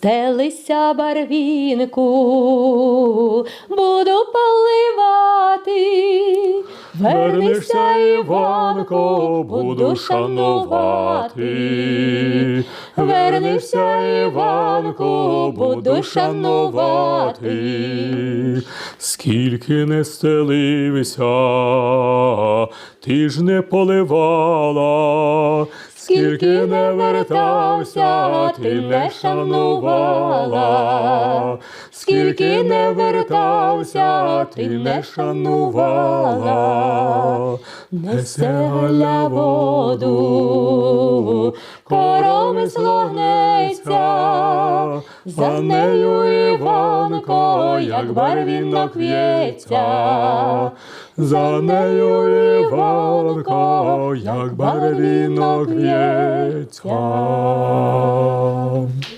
Стелися, барвінку, буду поливати. Вернешся, Іванко, буду шанувати. Вернешся, Іванко, буду шанувати. Скільки не стелився, ти ж не поливала. Скільки не вертався, ти не шанувала. Скільки не вертався, ти не шанувала. Несе Галя воду, коромисло гнеться, за нею Іванко, як барвінок в'ється. За нею Іванко, як барвінок в'ється.